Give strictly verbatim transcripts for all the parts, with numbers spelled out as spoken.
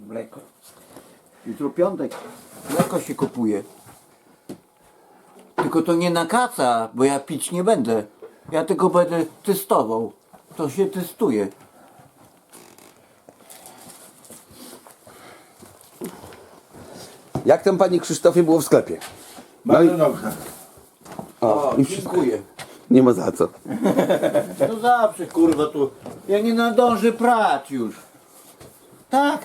Mleko. Jutro piątek. Mleko się kupuje. Tylko to nie na kaca, bo ja pić nie będę. Ja tylko będę testował. To się testuje. Jak tam panie Krzysztofie było w sklepie? Bardzo i- dobrze. O, O, i wszystko. dziękuję. Nie ma za co. No zawsze kurwa tu. Ja nie nadążę prać już. Tak?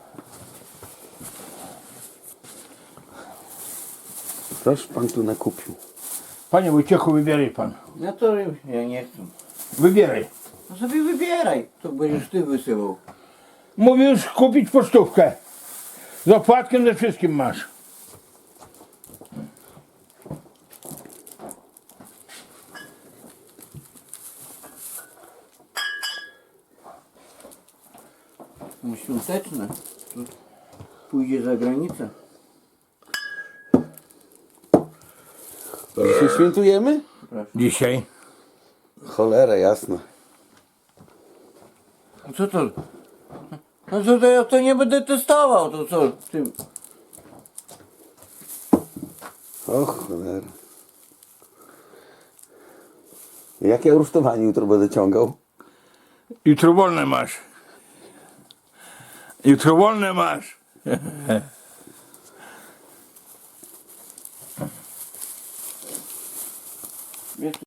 Toż pan tu nakupił. Panie Wojciechu, wybieraj pan. No to ja nie chcę. Wybieraj. No sobie wybieraj. To będziesz ty wysyłał. Mówisz kupić pocztówkę. Z opłatkiem ze wszystkim masz. No świąteczne. To pójdzie za granicę. Dzisiaj świętujemy? Dzisiaj. Cholera jasna. A co to? No co to ja to nie będę testował, to co? Ty... O cholera. Jakie rusztowanie jutro będę ciągał? Jutro wolne masz. Jutro wolne masz. Wiesz,